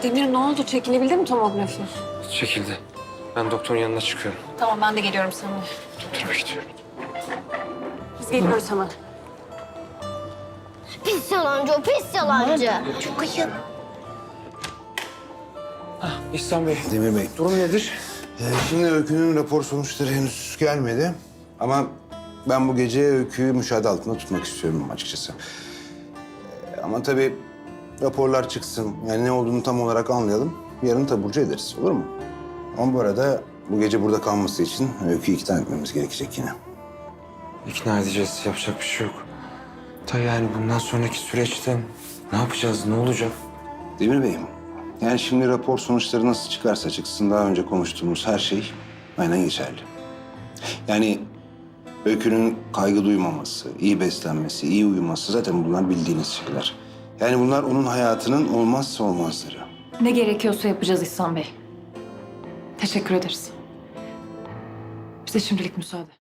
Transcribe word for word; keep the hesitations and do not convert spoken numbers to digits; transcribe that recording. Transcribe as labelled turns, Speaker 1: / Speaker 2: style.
Speaker 1: Demir ne oldu? Çekilebildi mi tomografi?
Speaker 2: Çekildi. Ben doktorun yanına çıkıyorum.
Speaker 1: Tamam ben de geliyorum seninle.
Speaker 2: Doktora gidiyorum.
Speaker 1: Biz geliyoruz hemen.
Speaker 3: Pis yalancı o, pis yalancı. Çok ayıp.
Speaker 2: İhsan Bey,
Speaker 4: Demir Bey,
Speaker 2: durum nedir?
Speaker 4: e, şimdi Öykü'nün rapor sonuçları henüz gelmedi. Ama ben bu gece Öykü'yü müşahede altında tutmak istiyorum açıkçası. E, ama tabii raporlar çıksın, yani ne olduğunu tam olarak anlayalım. Yarın taburcu ederiz, olur mu? Ama bu arada bu gece burada kalması için Öykü'yü ikna etmemiz gerekecek yine.
Speaker 2: İkna edeceğiz, yapacak bir şey yok. Ta yani bundan sonraki süreçte ne yapacağız, ne olacak?
Speaker 4: Demir Bey'im, yani şimdi rapor sonuçları nasıl çıkarsa çıksın daha önce konuştuğumuz her şey aynen geçerli. Yani Öykü'nün kaygı duymaması, iyi beslenmesi, iyi uyuması zaten bunlar bildiğiniz şeyler. Yani bunlar onun hayatının olmazsa olmazları.
Speaker 5: Ne gerekiyorsa yapacağız İhsan Bey. Teşekkür ederiz. Bize şimdilik müsaade.